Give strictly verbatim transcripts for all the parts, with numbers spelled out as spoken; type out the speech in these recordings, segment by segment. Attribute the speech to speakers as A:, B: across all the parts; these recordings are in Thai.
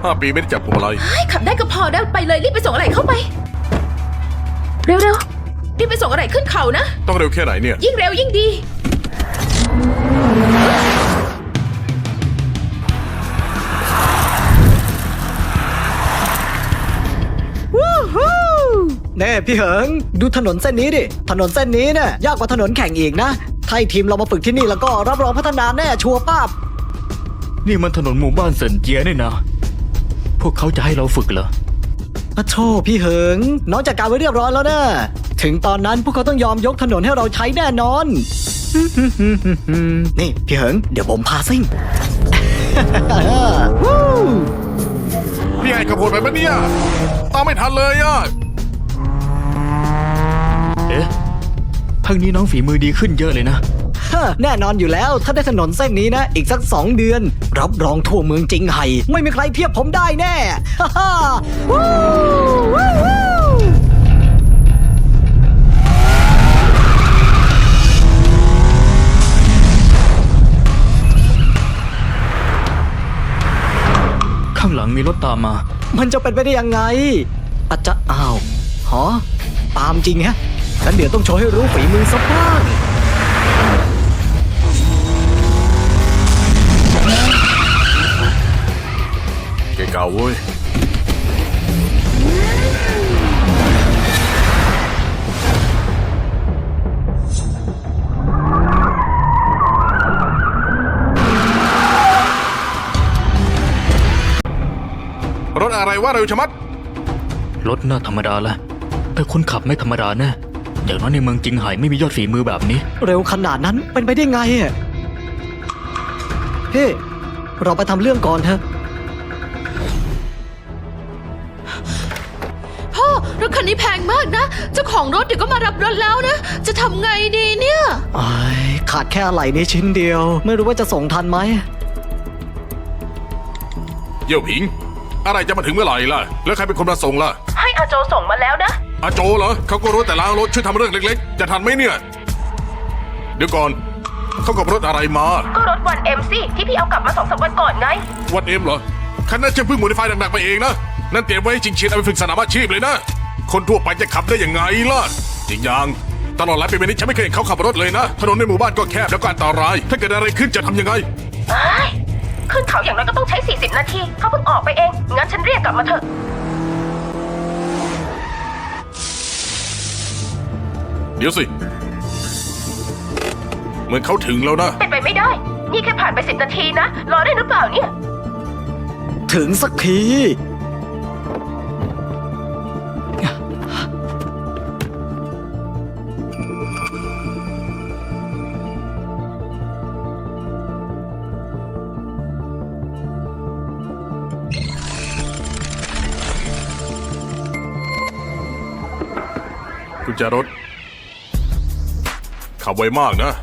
A: ห้าปีไม่ได้จับพวงมาลัย
B: ขับได้ก็พอได้ไปเลยรีบไปส่งอะไรเข้าไปเร็วๆรีบไปส่งอะไรขึ้นเขานะ
A: ต้องเร็วแค่ไหนเนี่ย
B: ยิ่งเร็วยิ่งดี
C: เน่พี่เหิงดูถนนเส้นนี้ดิถนนเส้นนี้เนี่ยยากกว่าถนนแข่งอีกนะถ้าทีมเรามาฝึกที่นี่แล้วก็รับรองพัฒนาแน่ชัวร์ป้าบ
D: นี่มันถนนหมู่บ้านเซินเจียนี่นะพวกเขาจะให้เราฝึกเหรอ
C: พระโทพี่เหิงน้องจัดการไว้เรียบร้อยแล้วนะถึงตอนนั้นพวกเขาต้องยอมยกถนนให้เราใช้แน่นอน นี่พี่เหิงเดี๋ยวผมพาซิ่ง
A: พี่ไอ้กระโดดไปปะเนี่ยตามไม่ทันเลยอ่ะ
D: เอ๊ะพักนี้น้องฝีมือดีขึ้นเยอะเลยนะ
C: แน่นอนอยู่แล้วถ้าได้ถนนเส้นนี้นะอีกสักสองเดือนรับรองทั่วเมืองจิงไห่ไม่มีใครเทียบผมได้แน่ ฮ่าฮ่าวู้วู้วู้
D: ข้างหลังมีรถตามมา
C: มันจะเป็นไปได้ยังไงอาจจะอ้าวหอตามจริงฮะงั้นเดี๋ยวต้องโชว์ให้รู้ฝีมือสักบ้าง
A: เก่งเก่าเว้ยรถอะไรวะเร็วชะมัด
D: รถน่าธรรมดาละแต่คนขับไม่ธรรมดาแน่อย่างน้อยในเมืองจิงไห่ไม่มียอดฝีมือแบบนี้
C: เร็วขนาดนั้นเป็นไปได้ไงอ่ะเฮ้เราไปทำเรื่องก่อนเถอะ
B: พ่อรถคันนี้แพงมากนะเจ้าของรถเดี๋ยวก็มารับรถแล้วนะจะทำไงดีเนี่ย
C: ไอ้ขาดแค่อะไหล่นี้ชิ้นเดียว ไม่รู้ว่าจะส่งทันไหม
A: เยี่ยวผิง อะไรจะมาถึงเมื่อไหร่ล่ะแล้วใครเป็นคนมาส่งล่ะ
B: ให้อาโจส่งมาแล้วนะ
A: อาโจเหรอเขาก็รู้แต่ล้างรถช่วยทำเรื่องเล็กๆจะทันไหมเนี่ยเดี๋ยวก่อนเขากับรถอะไรมา
B: ก็รถวันเอ็มซี่ที่พี่เอากลับมาสองสามวันก่อนไง
A: วันเอ็มเหรอคันนั้นจะเพิ่งโมดิฟายหนักๆไปเองนะนั่นเตรียมไว้ให้จริงเชียนเอาไปฝึกสนามอาชีพเลยนะคนทั่วไปจะขับได้ยังไงล่ะจริงอย่างตลอดหลายปีมานี้ฉันไม่เคยเห็นเขาขับรถเลยนะถนนในหมู่บ้านก็แคบแล้วก็อันตรายถ้าเกิดอะไรขึ้นจะทำยังไง
B: ขึ้นเขาอย่างน้อยก็ต้องใช้สี่สิบนาทีเขาเพิ่งออกไปเองงั้นฉันเรียกกลับมาเถอะ
A: เดี๋ยวสิเหมือนเขาถึงแล้วนะ
B: เป็นไปไม่ได้นี่แค่ผ่านไปสิบนาทีนะรอได้หรือเปล่าเนี่ย
C: ถึงสักที
A: กุญแจรถขับไวมากนะ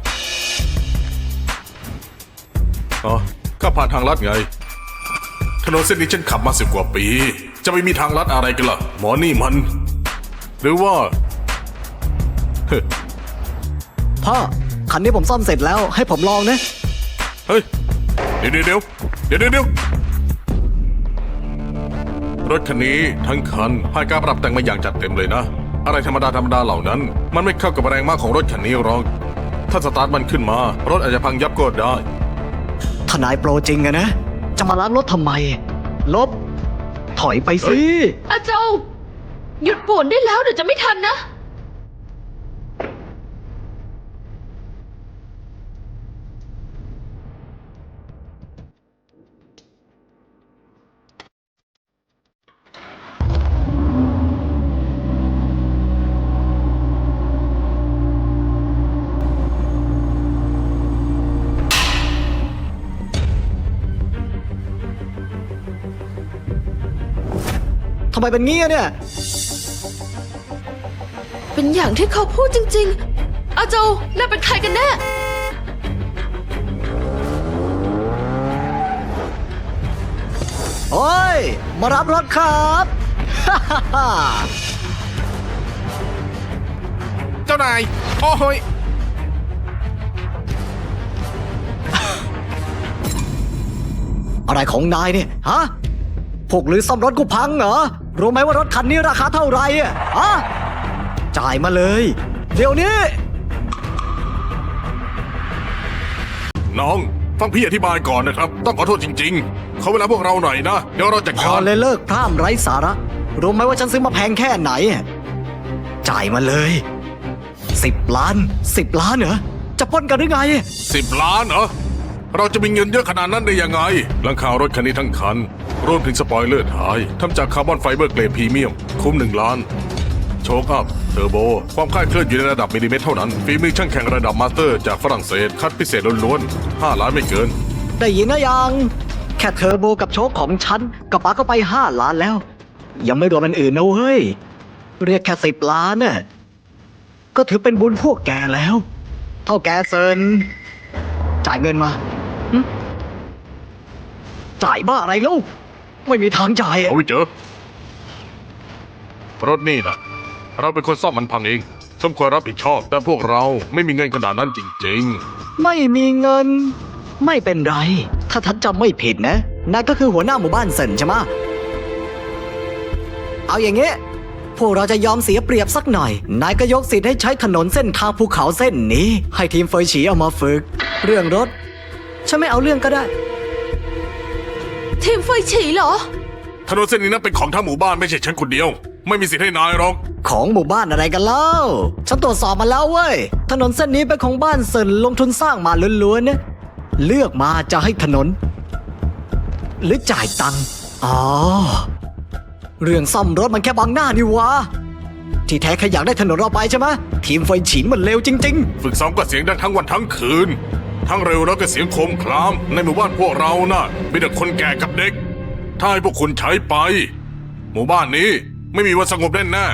A: อ๋อก็ผ่านทางลัดไงถนนเส้นนี้ฉันขับมาสิบกว่าปีจะไม่มีทางลัดอะไรกันล่ะหมอนี่มันหรือว่าเฮ้ย
C: พ่อคันนี้ผมซ่อมเสร็จแล้วให้ผมลองนะ
A: เฮ้ยเดี๋ยวเดี๋ยวเดี๋ยวเดี๋ยวเดี๋ยวรถคันนี้ทั้งคันผ่านการปรับแต่งมาอย่างจัดเต็มเลยนะอะไรธรรมดาธรรมดาเหล่านั้นมันไม่เข้ากับแรงมากของรถคันนี้หรอกถ้าสตาร์ทมันขึ้นมารถอาจจะพังยับก็ได้
C: ทนายโปรจริงอะนะ จะมาล้างรถทำไม ลบ ถอยไปสิ
B: อาโจหยุดป่วนได้แล้วเดี๋ยวจะไม่ทันนะ
C: ทำไมเป็นงี้อะเนี่ย
B: เป็นอย่างที่เขาพูดจริงๆอาโจน่าเป็นใครกันแน่
C: โอ้ย มารับรถครับ ฮ่าฮ่าฮ่า
A: เจ้านายโอ้โหย
C: อะไรของนายเนี่ย ฮะพวกหรือซ่อมรถกูพังเหรอ รู้ไหมว่ารถคันนี้ราคาเท่าไหร่อะอะจ่ายมาเลย เดี๋ยวนี้
A: น้อง ฟังพี่อธิบายก่อนนะครับ ต้องขอโทษจริงๆขอเวลาพวกเราหน่อยนะ เดี๋ยวเราจัด
C: พ
A: กา
C: อ
A: ร
C: เลยเลิกพร่ำไร้สาระ รู้ไหมว่าฉันซื้อมาแพงแค่ไหนอะจ่ายมาเลยสิบล้านสิบล้านเหรอ จะปล้นกันหรือไง
A: สิบล้านเหรอ เราจะมีเงินเยอะขนาดนั้นได้ยังไง หลังคารถคันนี้ทั้งคัน รวมถึงสปอยเลอร์ท้ายทำจากคาร์บอนไฟเบอร์เกรดพรีเมียม คุ้มหนึ่งล้าน โชคอัพ เทอร์โบ ความคลาดเคลื่อนอยู่ในระดับมิลลิเมตรเท่านั้น ฝีมือช่างแข่งระดับมาสเตอร์จากฝรั่งเศส คัดพิเศษล้วนๆห้าล้านไม่เกิน
C: ได้ยินนะยัง แค่เทอร์โบกับโชคของฉันก็ปาก็ไปห้าล้านแล้ว ยังไม่รวมอันอื่นนะเว้ย เรียกแค่สิบล้านน่ะก็ถือเป็นบุญพวกแกแล้ว เท่าแกเซินจ่ายเงินมาหึจ่ายบ้าอะไรลูกไม่มีทางจ่ายอะ
A: เอาไปเจอ รถนี่นะเราเป็นคนซ่อมมันพังเอง สมควรรับผิดชอบ แต่พวกเราไม่มีเงินขนาดนั้นจริง
C: ไม่มีเงิน ไม่เป็นไร ถ้าทัดจำไม่ผิดนะนายก็คือหัวหน้าหมู่บ้านเซินใช่ไหมะเอาอย่างเงี้ยพวกเราจะยอมเสียเปรียบสักหน่อย นายก็ยกสิทธิ์ให้ใช้ถนนเส้นทางภูเขาเส้นนี้ ให้ทีมเฟยฉีเอามาฝึก เรื่องรถ ฉันไม่เอาเรื่องก็ได้
B: ทีมเฟยฉีเหรอ
A: ๆ ถนนเส้นนี้นั้นเป็นของทั้งหมู่บ้านไม่ใช่ฉันคนเดียว ไม่มีสิทธิ์ให้นายหรอก
C: ของหมู่บ้านอะไรกันเล่า ฉันตรวจสอบมาแล้วเว้ย ถนนเส้นนี้เป็นของบ้านเซินลงทุนสร้างมาล้วนๆเนี่ยเลือกมาจะให้ถนน หรือจ่ายตังค์ อ๋อ เรื่องซ่อมรถมันแค่บังหน้านี่วะ ที่แท้แค่อยากได้ถนนเราไปใช่ไหมทีมไฟฉินมันเลวจริง
A: ฝึกซ้อมก็เสียงดังทั้งวันทั้งคืน ทั้งเร็วแล้วก็เสียงโครมคราม ในหมู่บ้านพวกเรานะ่ะมีแต่คนแก่กับเด็ก ถ้าให้พวกคุณใช้ไป หมู่บ้านนี้ไม่มีวันสงบแน่แน่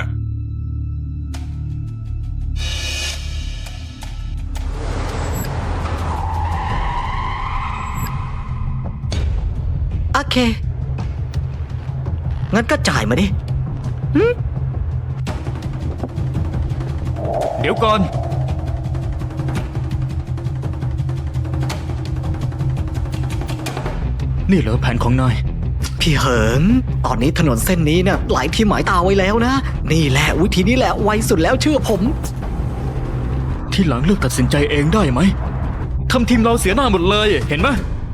C: ๆ โอเค งั้นก็จ่ายมาดิ
D: เดี๋ยวก่อน นี่เหรอแผนของนาย
C: พี่เหิง ตอนนี้ถนนเส้นนี้เนี่ยหลายที่หมายตาไว้แล้วนะ นี่แหละวิธีนี้แหละไวสุดแล้วเชื่อผม
D: ที่หลังเลือกตัดสินใจเองได้ไหมทำทีมเราเสียหน้าหมดเลย เห็นไหม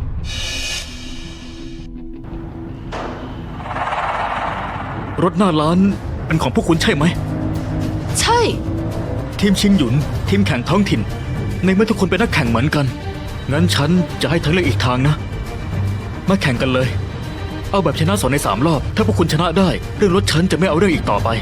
D: รถหน้าร้านเป็นของพวกคุณใช่ไหม
B: ใช่
D: ทีมชิงหยุน ทีมแข่งท้องถิ่น ในเมื่อทุกคนเป็นนักแข่งเหมือนกัน งั้นฉันจะให้ทางเลือกอีกทางนะ มาแข่งกันเลย เอาแบบชนะสองในสามรอบ ถ้าพวกคุณชนะได้ เรื่องรถฉันจะไม่เอาเรื่องอีกต่อไป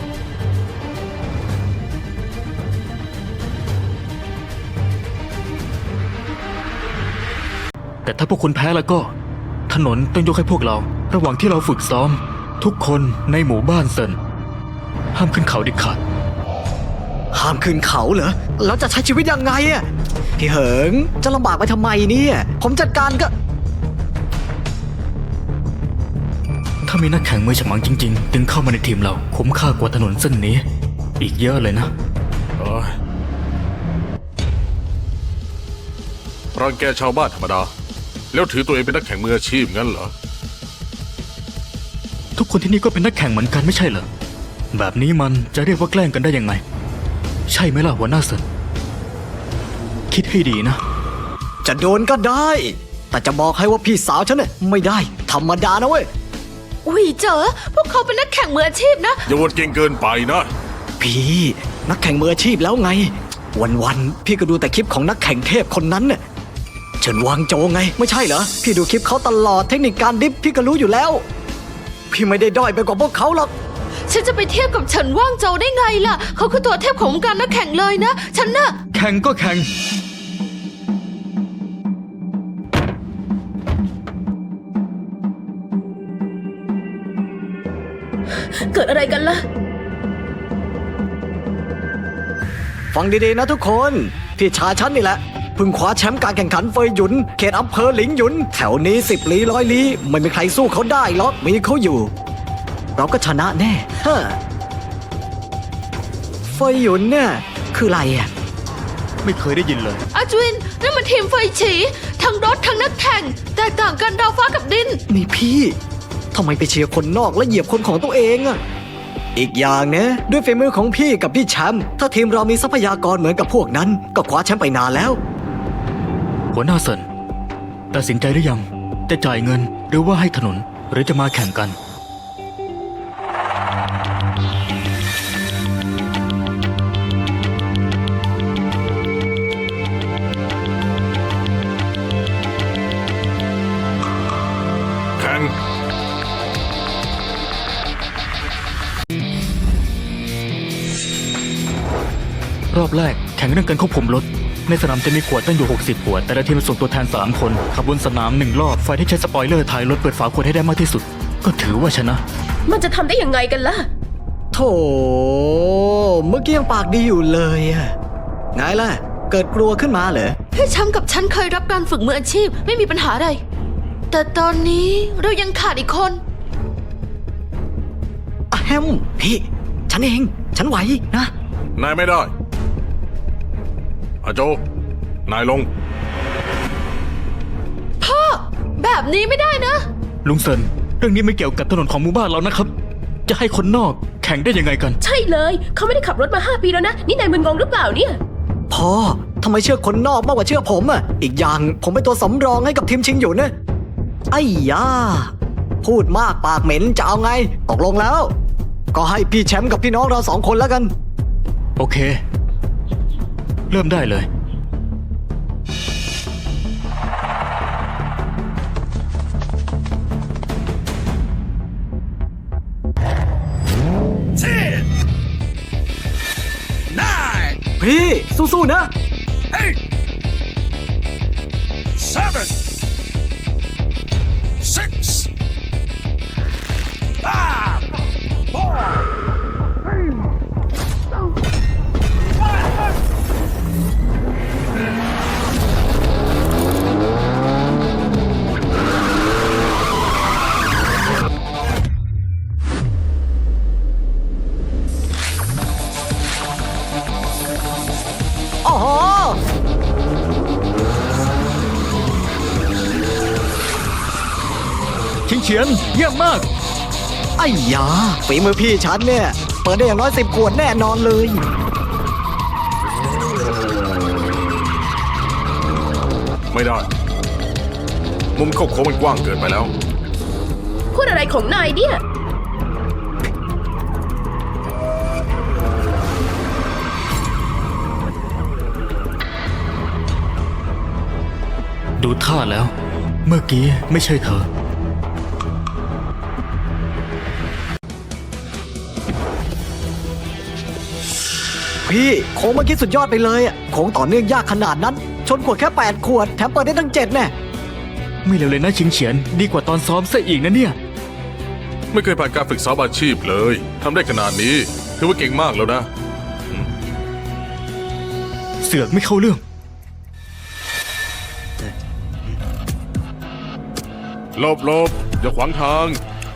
D: แต่ถ้าพวกคุณแพ้แล้วก็ ถนนต้องยกให้พวกเรา ระหว่างที่เราฝึกซ้อม ทุกคนในหมู่บ้านเซินห้ามขึ้นเขาเด็ดขาด
C: ห้ามขึ้นเขาเหรอ แล้วจะใช้ชีวิตยังไงอะพี่เหิง จะลำบากไปทำไมเนี่ย ผมจัดการก็
D: ถ้ามีนักแข่งมือฉมังจริงๆ ดึงเข้ามาในทีมเราคุ้มค่ากว่าถนนเส้นนี้ อีกเยอะเลยนะ
A: ๆเอ้ยรังแกชาวบ้านธรรมดา แล้วถือตัวเองเป็นนักแข่งมืออาชีพงั้นเหรอ
D: ทุกคนที่นี่ก็เป็นนักแข่งเหมือนกันไม่ใช่เหรอ แบบนี้มันจะเรียกว่าแกล้งกันได้ยังไง ใช่ไหมล่ะหัวหน้าเซินคิดให้ดีนะ
C: จะโดนก็ได้ แต่จะบอกให้ว่าพี่สาวฉันเนี่ยไม่ได้ ธรรมดานะเว้ย
B: อุ้ยเจอ พวกเขาเป็นนักแข่งมืออาชีพนะ
A: อย่าวนเก่งเกินไปนะ
C: พี่นักแข่งมืออาชีพแล้วไง วันๆพี่ก็ดูแต่คลิปของนักแข่งเทพคนนั้นน่ะเฉินวางโจไง ไม่ใช่เหรอ พี่ดูคลิปเขาตลอดเทคนิคการดิฟพี่ก็รู้อยู่แล้ว พี่ไม่ได้ด้อยไปกว่าพวกเขาหรอก
B: ฉันจะไปเทียบกับเฉินว่างโจวได้ไงล่ะ เขาคือตัวเทพของวงการนักแข่งเลยนะ ฉันน่ะ
D: แข่งก็แข่ง
B: เกิดอะไรกันล่ะ
C: ฟังดีๆนะทุกคน พี่ชายฉันนี่แหละเพิ่งคว้าแชมป์การแข่งขันเฟยหยุน เขตอำเภอหลิงหยุน แถวนี้สิบลี้ร้อยลี้ไม่มีใครสู้เขาได้หรอกมีเขาอยู่ เราก็ชนะแน่ฮะเฟยหยุนเนี่ยคืออะไรอ่ะ
D: ไม่เคยได้ยินเลย
B: อาจวินนั่นมันทีมเฟยฉี ทั้งรถทั้งนักแข่ง แตกต่างกันดาวฟ้ากับดิน
C: นี่พี่ทำไมไปเชียร์คนนอกและเหยียบคนของตัวเองอะอีกอย่างนะด้วยฝีมือของพี่กับพี่แชมป์ถ้าทีมเรามีทรัพยากรเหมือนกับพวกนั้น ก็คว้าแชมป์ไปนานแล้ว
D: หัวหน้าเซินตัดสินใจหรือยังจะจ่ายเงินหรือว่าให้ถนนหรือจะมาแข่งกัน
A: แข่ง
D: รอบแรกแข่งเรื่องการควบคุมรถ ในสนามจะมีขวดตั้งอยู่ หกสิบ ขวด แต่ละทีมส่งตัวแทน สาม คนขับบนสนามหนึ่งรอบฝ่ายที่ใช้สปอยเลอร์ถ่ายรถเปิดฝาขวดให้ได้มากที่สุด ก็ถือว่าชนะ
B: มันจะทำได้ยังไงกันล่ะ
C: โถเมื่อกี้ยังปากดีอยู่เลยอะไงล่ะ เกิดกลัวขึ้นมาเหรอ
E: พี่แชมป์กับฉันเคยรับการฝึกมืออาชีพไม่มีปัญหาอะไร แต่ตอนนี้เรายังขาดอีกคน
C: อะแฮมพี่ ฉันเอง ฉันไหวนะ
A: นายไม่ได้อาโจ นายลง
E: แบบนี้ไม่ได้นะ
D: ลุงเซินเรื่องนี้ไม่เกี่ยวกับถนนของหมู่บ้านเรานะครับ จะให้คนนอกแข่งได้ยังไงกัน
B: ใช่เลย เขาไม่ได้ขับรถมาห้าปีแล้วนะ นี่นายมึนงงหรือเปล่าเนี่ย
C: พ่อทำไมเชื่อคนนอกมากกว่าเชื่อผมอะอีกอย่างผมเป็นตัวสำรองให้กับทีมชิงอยู่นะไอ้ยาพูดมากปากเหม็นจะเอาไง ตกลงแล้ว ก็ให้พี่แชมป์กับพี่น้องเราสองคนแล้วกัน
D: โอเค เริ่มได้เลย
C: พี่สู้ๆนะ
A: seven six five four
C: อ๋อ
D: ชิงเฉียนเยี่ยมมาก
C: ไอ้ยาฝีมือพี่ฉันเนี่ย เปิดได้อย่างน้อยสิบขวดแน่นอนเลย
A: ไม่ได้ มุมเข้าโค้งมันกว้างเกินไปแล้ว
B: พูดอะไรของนายเนี่ย
D: ดูท่าแล้ว เมื่อกี้ไม่ใช่เธอ
C: พี่โค้งเมื่อกี้สุดยอดไปเลยอะโค้งต่อเนื่องยากขนาดนั้น ชนขวดแค่แปดขวด แถมเปิดได้ตั้งเจ็ดแน่
D: ไม่เร็วเลยนะชิงเฉียนดีกว่าตอนซ้อมซะอีกนะเนี่ย
A: ไม่เคยผ่านการฝึกซ้อมอาชีพเลยทำได้ขนาดนี้ถือว่าเก่งมากแล้วนะ
D: เสือกไม่เข้าเรื่อง
A: หลบหลบอย่าขวางทาง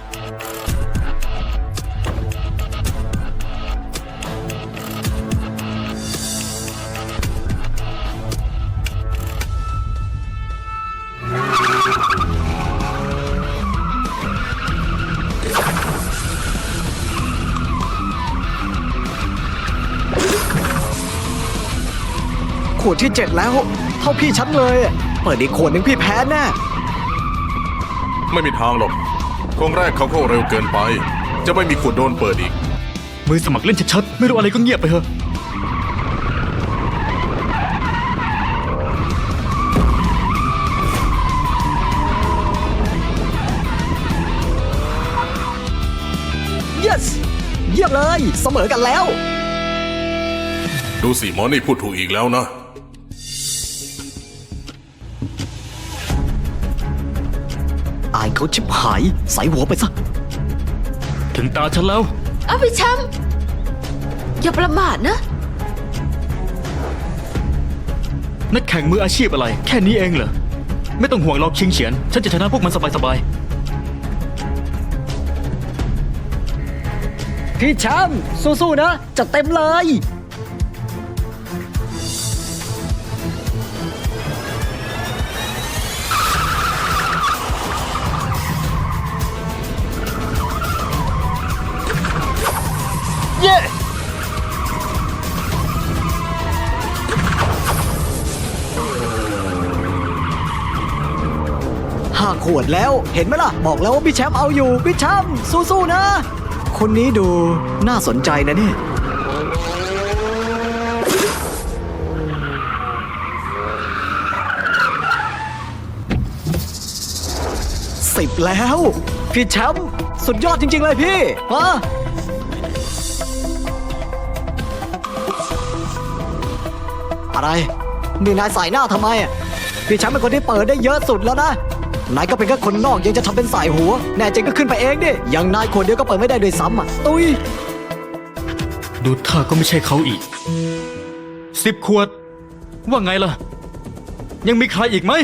C: ขวดที่เจ็ดแล้ว เท่าพี่ฉันเลยอะเปิดอีกขวดหนึ่งพี่แพ้แน่
A: ไม่มีทางหรอกโค้งแรกเขาเข้าเร็วเกินไป จะไม่มีขวดโดนเปิดอีก
D: มือสมัครเล่นชัดๆไม่รู้อะไรก็เงียบไปเถอะ
C: yes เยี่ยมเลย เสมอกันแล้ว
A: ดูสิหมอนี่พูดถูกอีกแล้วนะ
C: อายเขาชิบหาย ใส่หัวไปซะ
D: ถึงตาฉันแล้ว
E: เอาพี่แชมป์อย่าประมาทนะ
D: นักแข่งมืออาชีพอะไร แค่นี้เองเหรอ ไม่ต้องห่วงหรอกชิงเฉียน ฉันจะชนะพวกมันสบาย
C: พี่แชมป์สู้ๆนะ จัดเต็มเลยขวดแล้ว เห็นไหมล่ะ บอกแล้วว่าพี่แชมป์เอาอยู่ พี่แชมป์สู้ๆนะ คนนี้ดูน่าสนใจนะเนี่ย สิบแล้ว พี่แชมป์สุดยอดจริง ๆ เลยพี่ฮะอะไร นี่นายใส่หน้าทำไมอ่ะพี่แชมป์เป็นคนที่เปิดได้เยอะสุดแล้วนะ นายก็เป็นแค่คนนอกยังจะทำเป็นสายหัว แน่จริงก็ขึ้นไปเองดิอย่างนายคนเดียวก็เปิดไม่ได้ด้วยซ้ำอ่ะ ตุย
D: ดูท่าก็ไม่ใช่เขาอีกสิบขวด ว่าไงล่ะ ยังมีใครอีกไหม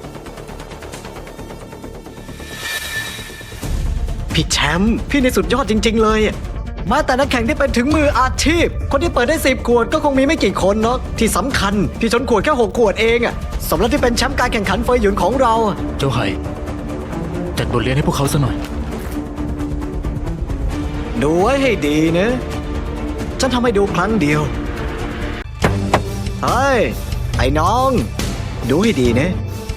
C: พี่แชมป์พี่นี่สุดยอดจริง ๆ เลยอะแม้แต่นักแข่งที่เป็นถึงมืออาชีพ คนที่เปิดได้สิบขวดก็คงมีไม่กี่คนเนาะที่สำคัญ พี่ชนขวดแค่หกขวดเองอะสมแล้วที่เป็นแชมป์การแข่งขันเฟยหยุนของเราอะ
D: เจ้าไห่จัดบทเรียนให้พวกเขาซะหน่อย
C: ดูไว้ให้ดีนะ ฉันทำให้ดูครั้งเดียว เฮ้ย ไอ้น้อง ดูให้ดีนะ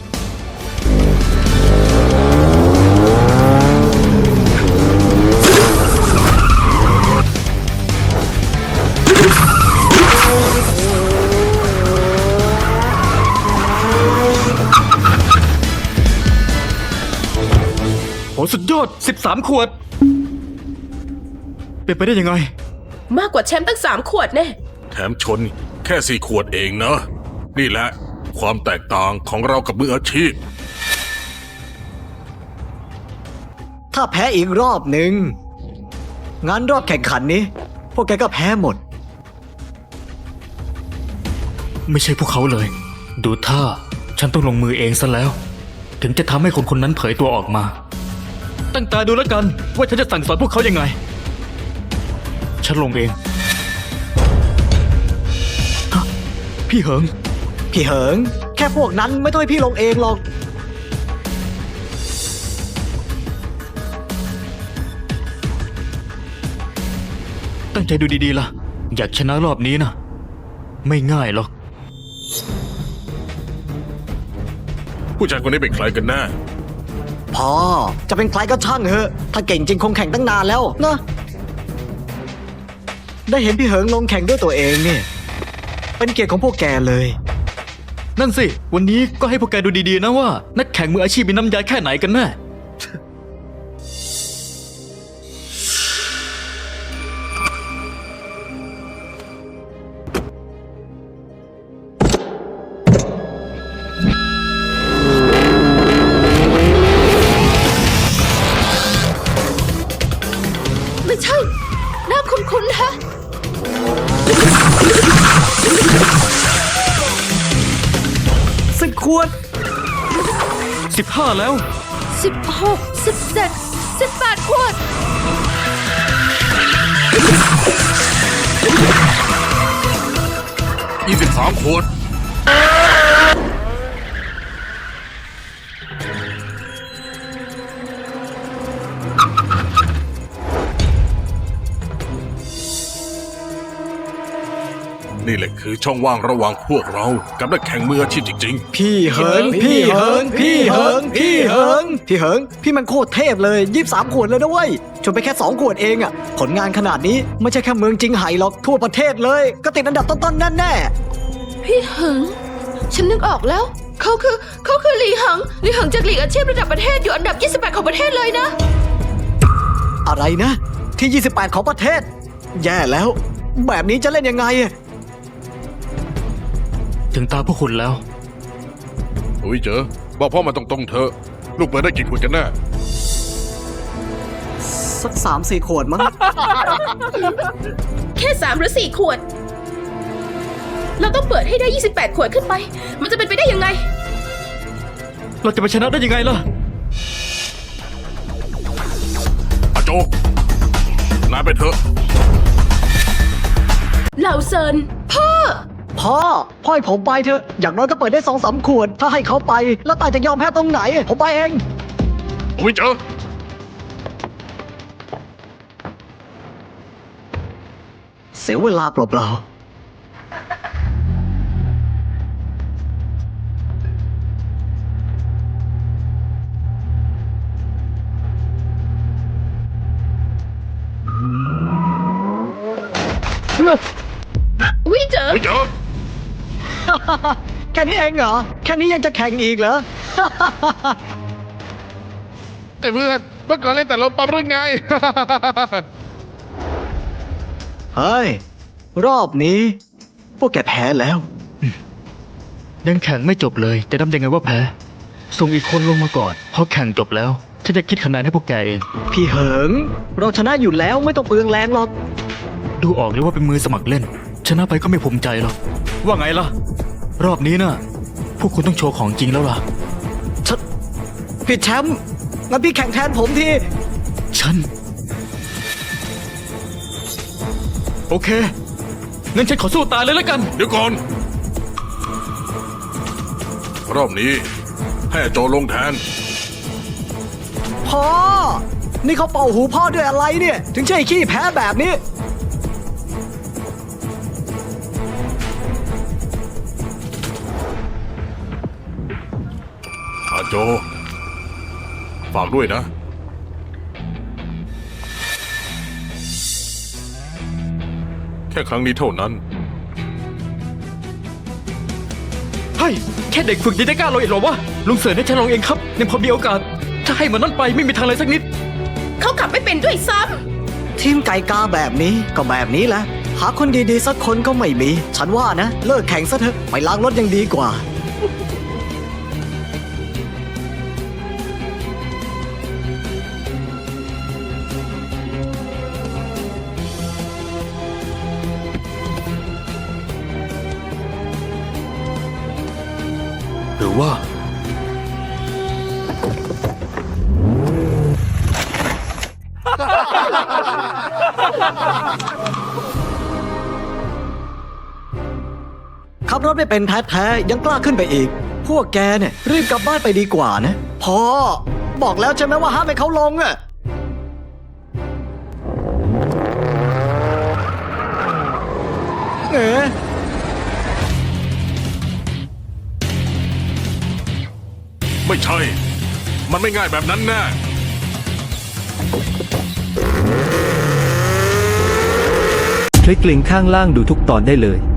D: โหสุดยอดสิบสามขวด เป็นไปได้ยังไง
B: มากกว่าแชมป์ตั้งสามขวดแน่
A: แถมชนแค่สี่ขวดเองนะ นี่แหละความแตกต่างของเรากับมืออาชีพ
C: ถ้าแพ้อีกรอบหนึ่งงั้นรอบแข่งขันนี้ พวกแกก็แพ้หมด
D: ไม่ใช่พวกเขาเลย ดูท่าฉันต้องลงมือเองซะแล้ว ถึงจะทำให้คนคนนั้นเผยตัวออกมา ตั้งตาดูแล้วกันว่าฉันจะสั่งสอนพวกเขายังไง ฉันลงเองฮะพี่เหิง
C: พี่เหิง แค่พวกนั้นไม่ต้องให้พี่ลงเองหรอก
D: ตั้งใจดูดีๆล่ะ อยากชนะรอบนี้นะไม่ง่ายหรอก
A: ผู้ชายคนนี้เป็นใครกันแน่
C: พอจะเป็นใครก็ช่างเถอะ ถ้าเก่งจริงคงแข่งตั้งนานแล้วนะ ได้เห็นพี่เหิงลงแข่งด้วยตัวเองเนี่ย เป็นเกียรติของพวกแกเลย
D: นั่นสิ วันนี้ก็ให้พวกแกดูดีๆนะว่า นักแข่งมืออาชีพมีน้ำยาแค่ไหนกันแน่
E: ไม่ใช่ หน้าคุ้นๆฮะ
C: สิบขวด
D: สิบห้าแล้ว
E: สิบหก สิบเจ็ด สิบแปดขวด
A: ยี่สิบสามขวด นี่แหละคือช่องว่างระหว่างพวกเรากับนักแข่งมืออาชีพจริง
C: พี่เหิง พี่เหิง พี่เหิง พี่เหิง พี่เหิง พี่มันโคตรเทพเลยยี่สิบสามขวดเลยนะเว้ยชนไปแค่สองขวดเองอะผลงานขนาดนี้ไม่ใช่แค่เมืองจิงไห่หรอกทั่วประเทศเลย ก็ติดอันดับต้นๆแน่
E: พี่เหิง ฉันนึกออกแล้ว เขาคือเขาคือหลีหังหลีหังจากลีกอาชีพระดับประเทศอยู่อันดับยี่สิบแปดของประเทศเลยนะ
C: ๆอะไรนะ ที่ยี่สิบแปดของประเทศ แย่แล้ว แบบนี้จะเล่นยังไงอะ
D: ถึงตาพวกคุณแล้ว
A: ๆ อุ้ยเจอ บอกพ่อมาตรงๆเถอะ ลูกเปิดได้กี่ขวดกันแน่
C: สักสามสี่ขวดมั้ง
B: แค่สามหรือสี่ขวด เราต้องเปิดให้ได้ยี่สิบแปดขวดขึ้นไป มันจะเป็นไปได้ยังไง
D: เราจะไปชนะได้ยังไงล่ะ
A: อาโจ นายไปเถอะ
B: เหล่าเซิน
C: พ่อ พ่อให้ผมไปเถอะ อย่างน้อยก็เปิดได้สองสามขวด ถ้าให้เขาไป แล้วตายจะยอมแพ้ตรงไหน ผมไปเอง
A: อุ้ยเจอ
C: เสียเวลาเปล่าๆ
B: วิเจอ
A: ไม่เจอ
C: แค่นี้เองเหรอ แค่นี้ยังจะแข่งอีกเหรอ
A: ไอ้เพื่อนเมื่อก่อนเล่นแต่ลมปั๊มเรื่องไง
C: เฮ้ย รอบนี้ พวกแกแพ้แล้ว
D: ยังแข่งไม่จบเลย จะทำยังไงว่าแพ้ ส่งอีกคนลงมาก่อน พอแข่งจบแล้ว ฉันจะคิดคะแนนให้พวกแกเอง
C: พี่เหิง เราชนะอยู่แล้วไม่ต้องเปลืองแรงหรอก
D: ดูออกเลยว่าเป็นมือสมัครเล่น ชนะไปก็ไม่ภูมิใจหรอก ว่าไงล่ะ รอบนี้น่ะ พวกคุณต้องโชว์ของจริงแล้วล่ะ
C: ฉันพี่แชมป์งั้นพี่แข่งแทนผมที
D: ฉัน โอเค งั้นฉันขอสู้ตายเลยแล้วกัน
A: เดี๋ยวก่อน รอบนี้ให้โจลงแทน
C: พ่อ นี่เขาเป่าหูพ่อด้วยอะไรเนี่ย ถึงใช่ขี้แพ้แบบนี้
A: อาโจ ฝากด้วยนะ แค่ครั้งนี้เท่านั้น
D: เฮ้ย แค่เด็กฝึกยังจะกล้าลงอีกเหรอวะ ลุงเสือให้ฉันลงเองครับยังพอมีโอกาส ถ้าให้มันนั่นไปไม่มีทางเลยสักนิด
B: เขากลับไม่เป็นด้วยซ้
C: ทีมไก่กาแบบนี้ก็แบบนี้แหละ หาคนดีๆสักคนก็ไม่มี ฉันว่านะ เลิกแข่งซะเถอะไปล้างรถยังดีกว่า
D: หรือว่า
C: ขับรถไม่เป็นแท้ๆยังกล้าขึ้นไปอีก พวกแกเนี่ยรีบกลับบ้านไปดีกว่านะพ่อบอกแล้วใช่ไหมว่าห้ามให้เขาลงอะเอ๋
A: ไม่ใช่ มันไม่ง่ายแบบนั้นแน่
F: คลิกลิงก์ข้างล่างดูทุกตอนได้เลย